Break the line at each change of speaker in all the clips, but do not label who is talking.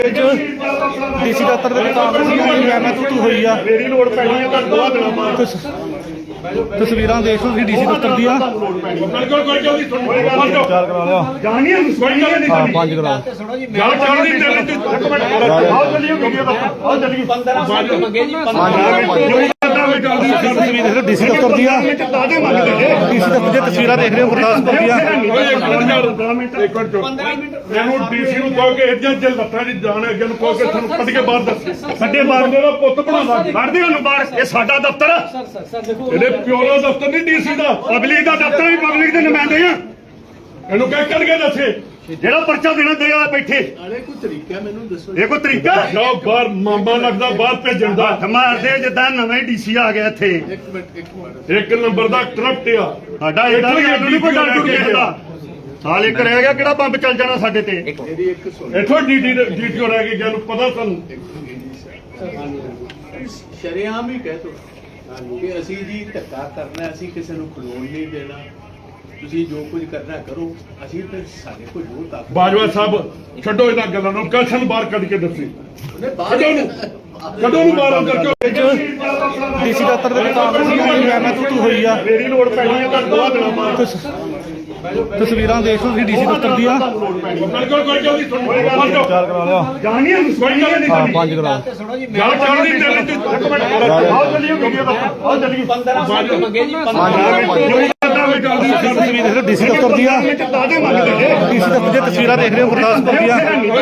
DC ਦਫ਼ਤਰ ਦੇ ਕਾਂਗਰਸੀਆਂ ਦੀ ਤੂੰ ਹੋਈ ਆ।
ਮੇਰੀ ਲੋੜ ਪੈਣੀ ਹੈ ਤਾਂ 2 ਦਿਨਾਂ ਬਾਅਦ
ਤਸਵੀਰਾਂ ਦੇਖ ਲਓ ਤੁਸੀਂ ਡੀਸੀ ਦਫ਼ਤਰ ਦੀਆਂ।
ਕੋਈ ਜਲਦੀ
ਚਾਰ ਕਰਾ ਲਿਆ।
ਜਾਣੀ ਹੈ
ਹਾਂ 5 ਕਰਾ।
ਗੱਲ ਚੱਲਦੀ ਚੱਲਦੀ ਇੱਕ ਮਿੰਟ ਆਓ ਚੱਲੀਏ ਵੀਡੀਓ ਦਾ ਆਓ ਚੱਲੀਏ
15 ਮੰਗੇ ਜੀ 15
ਤਸਵੀਰ ਦੇਖ ਲਓ ਡੀਸੀ ਦਫ਼ਤਰ ਦੀਆਂ।
ਦਾਦੇ ਮੰਗਦੇ ਨੇ
ਡੀਸੀ ਦਫ਼ਤਰ ਦੀਆਂ ਤਸਵੀਰਾਂ ਦੇਖ ਰਹੇ ਹੋ ਗੁਰਦਾਸਪੁਰ ਦੀਆਂ।
ਮੈਨੂੰ ਡੀਸੀ ਨੂੰ ਕਹੋ ਕਿ ਇੱਜਾ ਜੇ ਲੱਤਾਂ ਦੀ ਜਾਣ ਅੱਗੇ ਨੂੰ ਕਹੋ ਕਿ ਤੁਹਾਨੂੰ ਕੱਢ ਕੇ ਬਾਹਰ ਦੱਸ ਸਾਡੇ ਬਾਹਰ ਦਾ ਪੁੱਤ ਬਣਾਉਂਦਾ ਕੱਢਦੇ ਉਹਨੂੰ ਬਾਹਰ ਇਹ ਸਾਡਾ ਦਫ਼ਤਰ ਇਹਦੇ ਪਿਓ ਦਾ ਦਫ਼ਤਰ ਨਹੀਂ ਡੀਸੀ ਦਾ ਪਬਲਿਕ ਦਾ ਦਫ਼ਤਰ ਵੀ ਪਬਲਿਕ ਦੇ ਨੁਮਾਇੰਦੇ ਆ ਇਹਨੂੰ ਕਹਿ ਕੱਢ ਕੇ ਦੱਸੇ ਜਿਹੜਾ ਪਰਚਾ ਦੇਣਾ ਦੇ ਆ ਬੈਠੇ
ਨਾਲੇ ਕੋਈ ਤਰੀਕਾ ਮੈਨੂੰ ਦੱਸੋ
ਇਹ ਕੋਈ ਤਰੀਕਾ ਲਓ ਬਾਹਰ ਮਾਮਾ ਲੱਗਦਾ ਬਾਹਰ ਭੇਜਣ ਦਾ ਹੱਥ ਮਾਰਦੇ ਜਿੱਦਾਂ ਨਵੇਂ ਡੀਸੀ ਆ ਗਿਆ ਇੱਥੇ
ਇੱਕ ਮਿੰਟ
ਇੱਕ ਨੰਬਰ ਦਾ ਕਰਪਟ ਆ ਸਾਡਾ ਇਹਦਾ ਵੀ ਨਹੀਂ ਕੋਈ ਡਰ ਟੁੱਟ ਗਿਆ ਸਾਲ ਇੱਕ ਰਹਿ ਗਿਆ ਕਿਹੜਾ ਬੰਬ ਚੱਲ ਜਾਣਾ ਸਾਡੇ ਤੇ
ਮੇਰੀ ਇੱਕ ਸੁਣ
ਇੱਥੋਂ ਡੀਟੀਓ ਰਹਿ ਗਈ ਜਾਨੂੰ ਪਤਾ ਤੁਹਾਨੂੰ
ਸ਼ਰੇਆਮ ਹੀ ਕਹਿ ਤੋ ਕਿ ਅਸੀਂ ਜੀ ਧੱਕਾ ਕਰਨਾ ਅਸੀਂ ਕਿਸੇ ਨੂੰ ਖਲੋਣ ਨਹੀਂ ਦੇਣਾ ਤੁਸੀਂ ਜੋ ਕੁਝ ਕਰਨਾ ਕਰੋ ਅਸੀਂ ਤੇ ਸਾਡੇ ਕੋਲ ਜੋ ਤਾਕਤ
ਬਾਜਵਾ ਸਾਹਿਬ ਛੱਡੋ ਇਹਨਾਂ ਗੱਲਾਂ ਨੂੰ ਕਸ਼ਨ ਬਾਹਰ ਕੱਢ ਕੇ ਦੱਸੀ ਕਦੋਂ ਨੂੰ ਬਾਹਰ ਅੰਦਰ ਕਿਉਂ
ਡੀਸੀ ਦਫ਼ਤਰ ਦੇ ਕਾਂਗਰਸੀਆਂ ਦੀ ਤੂੰ ਹੋਈ ਆ।
ਮੇਰੀ ਲੋੜ ਪੈਣੀ ਹੈ ਤਾਂ 2 ਦਿਨਾਂ ਬਾਅਦ
ਤਸਵੀਰਾਂ ਦੇਖ ਲਓ ਤੁਸੀਂ ਡੀਸੀ ਦਫ਼ਤਰ ਦੀਆਂ।
ਕੋਈ ਜਲਦੀ
ਚਾਰ ਕਰਾ ਲਿਆ।
ਜਾਣੀ ਹੈ
ਹਾਂ 5 ਕਰਾ।
ਗੱਲ ਚੱਲਦੀ ਚੱਲਦੀ ਇੱਕ ਮਿੰਟ ਆਓ ਚੱਲੀਏ ਵੀਡੀਓ ਦਾ ਆਓ ਚੱਲੀਏ
15 ਮੰਗੇ ਜੀ 15
ਤਸਵੀਰ ਦੇਖ ਲਓ ਡੀਸੀ ਦਫ਼ਤਰ ਦੀਆਂ।
ਦਾਦੇ ਮੰਗਦੇ ਨੇ
ਡੀਸੀ ਦਫ਼ਤਰ ਦੀਆਂ ਤਸਵੀਰਾਂ ਦੇਖ ਰਹੇ ਹੋ ਗੁਰਦਾਸਪੁਰ ਦੀਆਂ।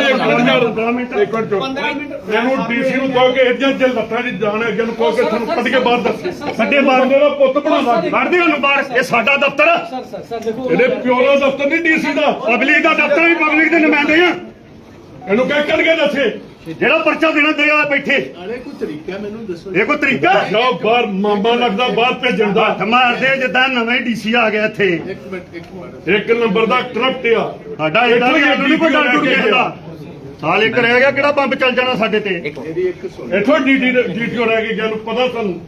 ਮੈਨੂੰ ਡੀਸੀ ਨੂੰ ਕਹੋ ਕਿ ਇੱਜਾ ਜੇ ਲੱਤਾਂ ਦੀ ਜਾਣ ਅੱਗੇ ਨੂੰ ਕਹੋ ਕਿ ਤੁਹਾਨੂੰ ਕੱਢ ਕੇ ਬਾਹਰ ਦੱਸ ਸਾਡੇ ਬਾਹਰ ਦਾ ਪੁੱਤ ਬਣਾਉਂਦਾ ਕੱਢਦੇ ਉਹਨੂੰ ਬਾਹਰ ਇਹ ਸਾਡਾ ਦਫ਼ਤਰ ਇਹਦੇ ਪਿਓ ਦਾ ਦਫ਼ਤਰ ਨਹੀਂ ਡੀਸੀ ਦਾ ਪਬਲਿਕ ਦਾ ਦਫ਼ਤਰ ਵੀ ਪਬਲਿਕ ਦੇ ਨੁਮਾਇੰਦੇ ਆ ਇਹਨੂੰ ਕਹਿ ਕੱਢ ਕੇ ਦੱਸੇ ਜਿਹੜਾ ਪਰਚਾ ਦੇਣਾ ਦੇ ਆ ਬੈਠੇ
ਨਾਲੇ ਕੋਈ ਤਰੀਕਾ ਮੈਨੂੰ ਦੱਸੋ
ਇਹ ਕੋਈ ਤਰੀਕਾ ਲਓ ਬਾਹਰ ਮਾਮਾ ਲੱਗਦਾ ਬਾਹਰ ਭੇਜਣ ਦਾ ਹੱਥ ਮਾਰਦੇ ਜਿੱਦਾਂ ਨਵੇਂ ਡੀਸੀ ਆ ਗਿਆ ਇੱਥੇ
ਇੱਕ ਮਿੰਟ
ਇੱਕ ਨੰਬਰ ਦਾ ਕਰਪਟ ਆ ਸਾਡਾ ਇਹਦਾ ਵੀ ਨਹੀਂ ਕੋਈ ਡਰ ਟੁੱਟ ਗਿਆ ਸਾਲ ਇੱਕ ਰਹਿ ਗਿਆ ਕਿਹੜਾ ਬੰਬ ਚੱਲ ਜਾਣਾ ਸਾਡੇ ਤੇ
ਮੇਰੀ ਇੱਕ ਸੁਣ
ਇੱਥੋਂ ਡੀਟੀਓ ਰਹਿ ਗਈ ਜਾਨੂੰ ਪਤਾ ਤੁਹਾਨੂੰ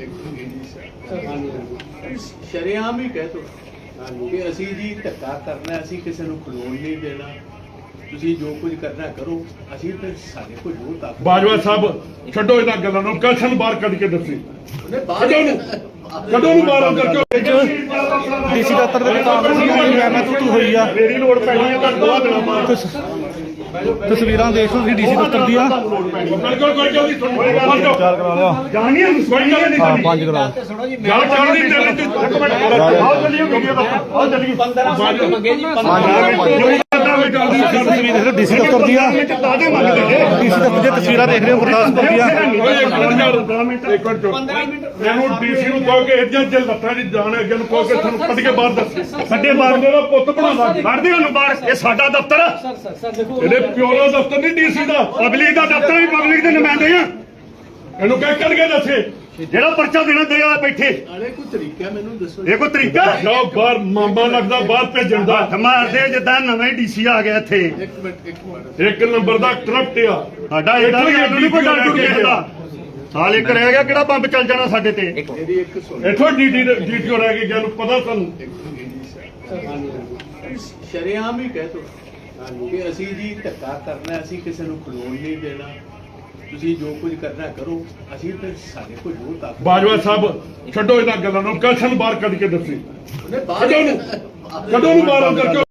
ਸ਼ਰੇਆਮ ਹੀ ਕਹਿ ਤੋ ਕਿ ਅਸੀਂ ਜੀ ਧੱਕਾ ਕਰਨਾ ਅਸੀਂ ਕਿਸੇ ਨੂੰ ਖਲੋਣ ਨਹੀਂ ਦੇਣਾ ਤੁਸੀਂ ਜੋ ਕੁਝ ਕਰਨਾ ਕਰੋ ਅਸੀਂ ਤੇ ਸਾਡੇ ਕੋਲ ਜੋ ਤਾਕਤ
ਬਾਜਵਾ ਸਾਹਿਬ ਛੱਡੋ ਇਹਨਾਂ ਗੱਲਾਂ ਨੂੰ ਕਸ਼ਨ ਬਾਹਰ ਕੱਢ ਕੇ ਦੱਸੀ ਕਦੋਂ ਨੂੰ ਬਾਹਰ ਅੰਦਰ ਕਿਉਂ
ਡੀਸੀ ਦਫ਼ਤਰ ਦੇ ਕਾਂਗਰਸੀਆਂ ਦੀ ਤੂੰ ਹੋਈ ਆ।
ਮੇਰੀ ਲੋੜ ਪੈਣੀ ਹੈ ਤਾਂ 2 ਦਿਨਾਂ ਬਾਅਦ
ਤਸਵੀਰਾਂ ਦੇਖ ਲਓ ਤੁਸੀਂ ਡੀਸੀ ਦਫ਼ਤਰ ਦੀਆਂ।
ਕੋਈ ਜਲਦੀ
ਚਾਰ ਕਰਾ ਲਿਆ।
ਜਾਣੀ ਹੈ
ਹਾਂ 5 ਕਰਾ।
ਗੱਲ ਚੱਲਦੀ ਚੱਲਦੀ ਇੱਕ ਮਿੰਟ ਆਓ ਚੱਲੀਏ ਵੀਡੀਓ ਦਾ ਆਓ ਚੱਲੀਏ
15 ਮੰਗੇ ਜੀ 15
ਤਸਵੀਰ ਦੇਖ ਲਓ ਡੀਸੀ ਦਫ਼ਤਰ ਦੀਆਂ।
ਦਾਦੇ ਮੰਗਦੇ ਨੇ
ਡੀਸੀ ਦਫ਼ਤਰ ਦੀਆਂ ਤਸਵੀਰਾਂ ਦੇਖ ਰਹੇ ਹੋ ਗੁਰਦਾਸਪੁਰ ਦੀਆਂ।
ਮੈਨੂੰ ਡੀਸੀ ਨੂੰ ਕਹੋ ਕਿ ਇੱਜਾ ਜੇ ਲੱਤਾਂ ਦੀ ਜਾਣ ਅੱਗੇ ਨੂੰ ਕਹੋ ਕਿ ਤੁਹਾਨੂੰ ਕੱਢ ਕੇ ਬਾਹਰ ਦੱਸ ਸਾਡੇ ਬਾਹਰ ਦਾ ਪੁੱਤ ਬਣਾਉਂਦਾ ਕੱਢਦੇ ਉਹਨੂੰ ਬਾਹਰ ਇਹ ਸਾਡਾ ਦਫ਼ਤਰ ਇਹਦੇ ਪਿਓ ਦਾ ਦਫ਼ਤਰ ਨਹੀਂ ਡੀਸੀ ਦਾ ਪਬਲਿਕ ਦਾ ਦਫ਼ਤਰ ਵੀ ਪਬਲਿਕ ਦੇ ਨੁਮਾਇੰਦੇ ਆ ਇਹਨੂੰ ਕਹਿ ਕੱਢ ਕੇ ਦੱਸੇ ਜਿਹੜਾ ਪਰਚਾ ਦੇਣਾ ਦੇ ਆ ਬੈਠੇ
ਨਾਲੇ ਕੋਈ ਤਰੀਕਾ ਮੈਨੂੰ ਦੱਸੋ
ਇਹ ਕੋਈ ਤਰੀਕਾ ਲਓ ਬਾਹਰ ਮਾਮਾ ਲੱਗਦਾ ਬਾਹਰ ਭੇਜਣ ਦਾ ਹੱਥ ਮਾਰਦੇ ਜਿੱਦਾਂ ਨਵੇਂ ਡੀਸੀ ਆ ਗਿਆ ਇੱਥੇ
ਇੱਕ ਮਿੰਟ
ਇੱਕ ਨੰਬਰ ਦਾ ਕਰਪਟ ਆ ਸਾਡਾ ਇਹਦਾ ਵੀ ਨਹੀਂ ਕੋਈ ਡਰ ਟੁੱਟ ਗਿਆ ਸਾਲ ਇੱਕ ਰਹਿ ਗਿਆ ਕਿਹੜਾ ਬੰਬ ਚੱਲ ਜਾਣਾ ਸਾਡੇ ਤੇ
ਮੇਰੀ ਇੱਕ ਸੁਣ
ਇੱਥੋਂ ਡੀਟੀਓ ਰਹਿ ਗਈ ਜਾਨੂੰ ਪਤਾ ਤੁਹਾਨੂੰ
ਸ਼ਰੇਆਮ ਹੀ ਕਹਿ ਤੋ ਕਿ ਅਸੀਂ ਜੀ ਧੱਕਾ ਕਰਨਾ ਅਸੀਂ ਕਿਸੇ ਨੂੰ ਖਲੋਣ ਨਹੀਂ ਦੇਣਾ ਤੁਸੀਂ ਜੋ ਕੁਝ ਕਰਨਾ ਕਰੋ ਅਸੀਂ ਤੇ ਸਾਡੇ ਕੋਲ ਜੋ ਤਾਕਤ
ਬਾਜਵਾ ਸਾਹਿਬ ਛੱਡੋ ਇਹਨਾਂ ਗੱਲਾਂ ਨੂੰ ਕਸ਼ਨ ਬਾਹਰ ਕੱਢ ਕੇ ਦੱਸੀ ਕਦੋਂ ਨੂੰ ਬਾਹਰ ਅੰਦਰ ਕਿਉਂ